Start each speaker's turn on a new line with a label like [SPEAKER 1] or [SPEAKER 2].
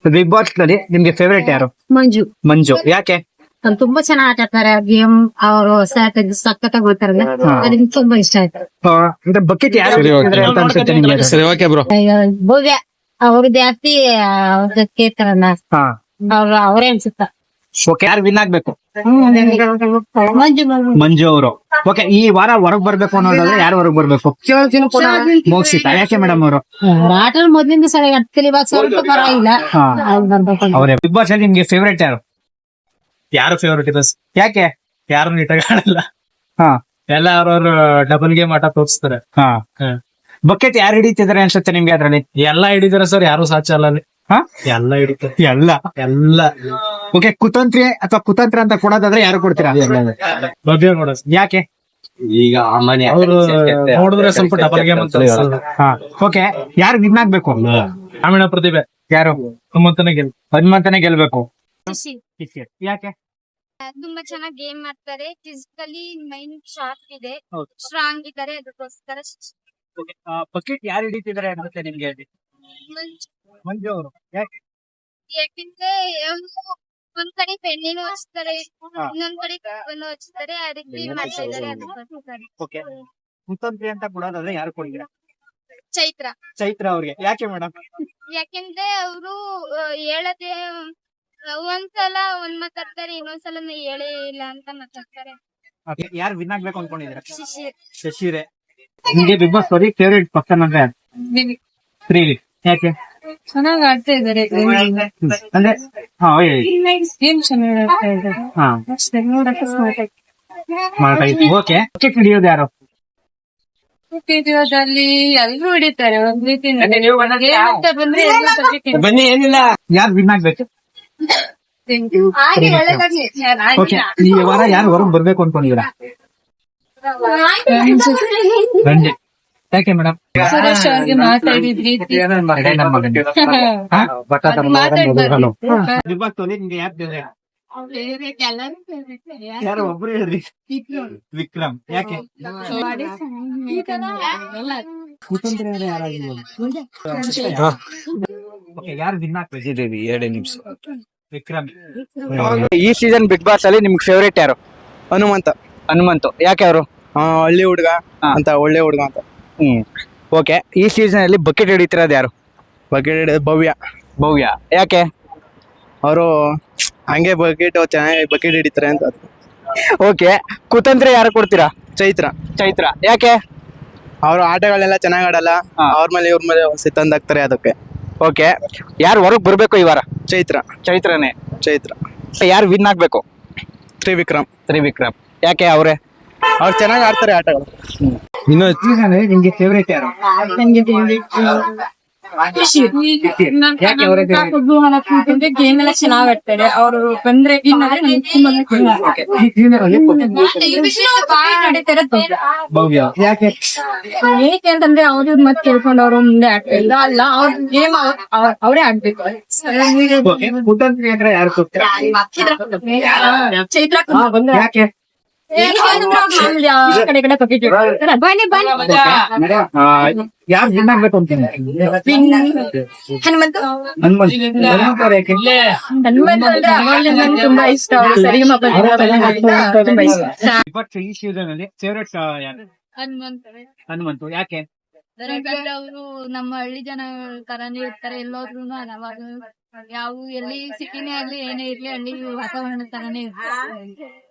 [SPEAKER 1] Big boss ನಲ್ಲಿ ನಿಮ್ಗೆ favourite ಯಾರು?
[SPEAKER 2] ಮಂಜು.
[SPEAKER 1] ಮಂಜು. ಯಾಕೆ?
[SPEAKER 2] ಅವ್ರು ತುಂಬಾ ಚೆನ್ನಾಗಿ ಆಟ ಆಡ್ತಾರೆ ಗೇಮ್. ಅವರು ಸಖತ್ತಾಗಿ ಓದ್ತಾರಲ್ಲ, ಅದಕ್ಕೆ ತುಂಬಾ ಇಷ್ಟ ಆಯ್ತು.
[SPEAKER 1] ಅಂದ್ರೆ ಬಕೆಟ್ ಯಾರು ಹಿಡಿತಿದ್ದಾರೆ ಅಂತ ಅನ್ಸುತ್ತೆ ನಿಮ್ಗೆ?
[SPEAKER 3] ಸರಿ, ಓಕೆ ಬ್ರೋ.
[SPEAKER 2] ಭವ್ಯ ಅವ್ರು ಜಾಸ್ತಿ ಕೇಳ್ತಾರಲ್ಲ,
[SPEAKER 1] ಹಾ,
[SPEAKER 2] ಅವರೇ ಅನ್ಸುತ್ತ.
[SPEAKER 1] ಓಕೆ. ಯಾರು ವಿನ್ ಆಗ್ಬೇಕು?
[SPEAKER 2] ಮಂಜು.
[SPEAKER 1] ಮಂಜು ಅವರು. ಓಕೆ, ಈ ವಾರ ಹೊರಗ್ ಬರ್ಬೇಕು ಅನ್ನೋದಾದ್ರೆ ಯಾರು ಹೊರಗ್ ಬರ್ಬೇಕು? ಮೋಕ್ಷಿತ. ಯಾಕೆ ಮೇಡಮ್ ಅವರು?
[SPEAKER 2] ಆಟ ಮೊದ್ಲಿಂದ ಸರಿ ಅಟ್ಕಲಿ, ಇವಾಗ ಸ್ವಲ್ಪ ಪರವಾಗಿಲ್ಲ. ಅವ್ರು ಬರ್ಬೇಕು.
[SPEAKER 1] ಅವರೇ. ಬಿಗ್ ಬಾಸ್ ಅಲ್ಲಿ ನಿಮ್ಗೆ ಫೇವರೇಟ್ ಯಾರು?
[SPEAKER 3] ಯಾರು ಫೇವ್ರೇಟ್ ಇದೆ?
[SPEAKER 1] ಯಾಕೆ?
[SPEAKER 3] ಯಾರು ನೀಟಾಗಿ ಆಡಲ್ಲ.
[SPEAKER 1] ಹಾ
[SPEAKER 3] ಎಲ್ಲ ಅವ್ರವ್ರ ಡಬಲ್ ಗೇಮ್ ಆಟ ತೋರಿಸ್ತಾರೆ.
[SPEAKER 1] ಹಾ. ಬಕೆಟ್ ಯಾರು ಹಿಡಿತಿದಾರೆ ಅನ್ಸುತ್ತೆ ನಿಮ್ಗೆ ಅದ್ರಲ್ಲಿ?
[SPEAKER 3] ಎಲ್ಲ ಹಿಡಿದಾರೆ ಸರ್, ಯಾರು ಸಾಧ್ಯ ಅಲ್ಲ ಅಲ್ಲಿ.
[SPEAKER 1] ಹಾ,
[SPEAKER 3] ಎಲ್ಲ ಹಿಡಿತಾರೆ
[SPEAKER 1] ಎಲ್ಲ. ಓಕೆ, ಕುತಂತ್ರಿ ಅಥವಾ ಕುತಂತ್ರ ಅಂತ ಕೊಡೋದಾದ್ರೆ ಯಾರು ಕೊಡ್ತೀರಾ?
[SPEAKER 3] ಭವ್ಯ ನೋಡ.
[SPEAKER 1] ಯಾಕೆ?
[SPEAKER 3] ಈಗ ಅವ್ರು ನೋಡಿದ್ರೆ ಸ್ವಲ್ಪ ಡಬಲ್ ಗೇಮ್ ಅಂತ ಅನ್ಸೋದು.
[SPEAKER 1] ಹಾ, ಓಕೆ. ಯಾರು ವಿನ್ ಆಗ್ಬೇಕು?
[SPEAKER 3] ಗ್ರಾಮೀಣ ಪ್ರತಿಭೆ
[SPEAKER 1] ಯಾರು? ಹನುಮಂತನೇ ಗೆಲ್ಬೇಕು. ಯಾಕೆ?
[SPEAKER 4] ತುಂಬಾ ಚೆನ್ನಾಗಿ ಗೇಮ್ ಮಾಡ್ತಾರೆ. ಫಿಸಿಕಲಿ ಮೈಂಡ್ ಶಾರ್ಪ್ ಇದೆ,
[SPEAKER 1] ಹೌದು.
[SPEAKER 4] ಸ್ಟ್ರಾಂಗ್ ಇದ್ದಾರೆ. ಅದಕ್ಕೋಸ್ಕರ
[SPEAKER 1] ಬಕೆಟ್ ಯಾರು ಹಿಡಿತಿದಾರೆ ಅನ್ಸುತ್ತೆ ನಿಮ್ಗೆ? ಮಂಜು ಅವರು. ಯಾಕೆ?
[SPEAKER 4] ಯಾಕಂದ್ರೆ ಅವ್ರು ಒಂದ್ ಕಡೆ ಪೆಣ್ಣಿನೂ ಹಚ್ತಾರೆ, ಇನ್ನೊಂದ್ ಕಡೆ ಕಪ್ಪನ್ನು ಹಚ್ತಾರೆ. ಅದಕ್ಕೆ ಮಾಡ್ತಾ ಇದ್ದಾರೆ. ಅದಕ್ಕೋಸ್ಕರ
[SPEAKER 1] ಓಕೆ. ಕುತಂತ್ರಿ ಅಂತ ಕೊಡೋದಾದ್ರೆ ಯಾರು ಕೊಡ್ತೀರಾ?
[SPEAKER 4] ಚೈತ್ರ
[SPEAKER 1] ಅವ್ರಿಗೆ. ಯಾಕೆ ಮೇಡಮ್?
[SPEAKER 4] ಯಾಕಂದ್ರೆ ಅವರು ಹೇಳದೆ ಒಂದ್ಸಲ ಒಂದ್ ಮಾತಾಡ್ತಾರೆ, ಇನ್ನೊಂದ್ಸಲ ಹೇಳೇ ಇಲ್ಲ ಅಂತ ಮಾತಾಡ್ತಾರೆ.
[SPEAKER 1] ಯಾರು ವಿನ್ ಆಗ್ಬೇಕು ಅನ್ಕೊಂಡಿದ್ದೀರಾ?
[SPEAKER 4] ಶಿಶಿರ್.
[SPEAKER 1] ಶಶಿರೇ. ನಿಮ್ಗೆ big boss story favourite person ಅಂದ್ರೆ ಶ್ರೀವಿ. ಯಾಕೆ?
[SPEAKER 2] ಚೆನ್ನಾಗಿ ಆಡ್ತಾ ಇದಾರೆ.
[SPEAKER 1] ಅಂದ್ರೆ ಹಾ, ಹೇಳಿ.
[SPEAKER 2] ಗೇಮ್ ಚೆನ್ನಾಗಿ ಆಡ್ತಾ ಇದಾರೆ.
[SPEAKER 1] ಹಾ, ಓಕೆ. ಬಕೆಟ್ ಹಿಡಿಯೋದು ಯಾರು?
[SPEAKER 2] ವಿಡಿಯೋದಲ್ಲಿ ಎಲ್ರು ಹಿಡಿತಾರೆ ಒಂದ್ ರೀತಿ.
[SPEAKER 1] ಬನ್ನಿ, ಏನಿಲ್ಲ. ಯಾರು ವಿನ್ ಆಗ್ಬೇಕು? ಓಕೆ, ಈ ವಾರ ಯಾರು ಹೊರಗ್ ಬರ್ಬೇಕು ಅನ್ಕೊಂಡಿದ್ದೀರಾ? ರಂಜಿತ್. ಯಾಕೆ ಮೇಡಮ್?
[SPEAKER 2] ಸುರೇಶ್ ಅವ್ರಿಗೆ ಮಾತಾಡಿದ್ರಿ.
[SPEAKER 1] ಬಿಗ್ ಬಾಸ್ ನಿಮ್ಗೆ ಯಾರು ಒಬ್ರು ಹೇಳ್ರಿ? ವಿಕ್ರಮ್. ಯಾಕೆ? ಯಾರು ವಿನ್ ಆಗ್ಬೇಕು? 2 ನಿಮಿಷ. ವಿಕ್ರಮ್. ಈ ಸೀಸನ್ ಬಿಗ್ ಬಾಸ್ ಅಲ್ಲಿ ನಿಮ್ಗೆ ಫೇವರೇಟ್ ಯಾರು? ಹನುಮಂತು. ಯಾಕೆ ಅವರು?
[SPEAKER 5] ಹಳ್ಳಿ ಹುಡುಗ ಅಂತ, ಒಳ್ಳೆ ಹುಡುಗ ಅಂತ.
[SPEAKER 1] ಓಕೆ. ಈ ಸೀಸನ್ ಅಲ್ಲಿ ಬಕೆಟ್ ಹಿಡಿತಿರೋದು ಯಾರು?
[SPEAKER 5] ಭವ್ಯ.
[SPEAKER 1] ಯಾಕೆ?
[SPEAKER 5] ಅವರು ಹಂಗೆ ಚೆನ್ನಾಗಿ ಬಕೆಟ್ ಹಿಡಿತಾರೆ ಅಂತ.
[SPEAKER 1] ಓಕೆ. ಕುತಂತ್ರ ಯಾರು ಕೊಡ್ತೀರಾ?
[SPEAKER 5] ಚೈತ್ರ.
[SPEAKER 1] ಯಾಕೆ?
[SPEAKER 5] ಅವರು ಆಟಗಳೆಲ್ಲ ಚೆನ್ನಾಗ್ ಆಡಲ್ಲ, ಅವ್ರ ಮೇಲೆ ಇವ್ರ ಮೇಲೆ ತಂದಾಕ್ತಾರೆ ಅದಕ್ಕೆ.
[SPEAKER 1] ಓಕೆ. ಯಾರು ಹೊರಗ್ ಬರ್ಬೇಕು ಈ ವಾರ? ಚೈತ್ರನೇ. ಯಾರು ವಿನ್ ಆಗ್ಬೇಕು?
[SPEAKER 5] ತ್ರಿವಿಕ್ರಮ್.
[SPEAKER 1] ಯಾಕೆ? ಅವ್ರೆ.
[SPEAKER 5] ಅವ್ರು ಚೆನ್ನಾಗಿ ಆಡ್ತಾರೆ ಆಟಗಳು.
[SPEAKER 1] ನಿಮ್ಗೆ ಫೇವರೇಟ್ ಯಾರು?
[SPEAKER 2] ಗೇಮ್ ಎಲ್ಲ ಚೆನ್ನಾಗ್ ಆಡ್ತಾರೆ. ಅವ್ರು ಬಂದ್ರೆ
[SPEAKER 1] ಭವ್ಯ. ಯಾಕೆ?
[SPEAKER 2] ಏನಕ್ಕೆ ಅಂತಂದ್ರೆ ಅವ್ರ ಮತ್ ಕೇಳ್ಕೊಂಡು ಅವ್ರು ಮುಂದೆ ಆಡ್ತಿಲ್ಲ ಅಲ್ಲ, ಅವ್ರ ಗೇಮ್ ಅವರೇ ಆಡ್ಬೇಕು.
[SPEAKER 1] ಕುತಂತ್ರಿ ಅಂದ್ರೆ ಯಾರು ಕೊಡ್ತೀರಾ?
[SPEAKER 2] ಚೈತ್ರ.
[SPEAKER 1] ಯಾಕೆ?
[SPEAKER 2] ಕಡೆ ಬಕೆಟ್ ಬನ್ನಿ.
[SPEAKER 1] ಯಾರು ವಿನ್ ಆಗ್ಬೇಕು ಅಂತೀನಿ?
[SPEAKER 2] ಹನುಮಂತ. ತುಂಬಾ ಇಷ್ಟ. ಸರಿಗಮಪ ತುಂಬಾ ಇಷ್ಟ.
[SPEAKER 1] ಈ ಸೀಸನ್ ಅಲ್ಲಿ ಫೇವರೇಟ್ ಯಾರು? ಹನುಮಂತು. ಯಾಕೆ?
[SPEAKER 4] ಅವರು ನಮ್ಮ ಹಳ್ಳಿ ಜನ ತರಾನೇ ಇರ್ತಾರೆ. ಎಲ್ಲೋದ್ರು ಯಾವ ಎಲ್ಲಿ ಸಿಟಿನೇ ಆಗ್ಲಿ ಏನೇ ಇರ್ಲಿ ಹಳ್ಳಿ ವಾತಾವರಣ ತರಾನೇ ಇರ್ತಾರೆ.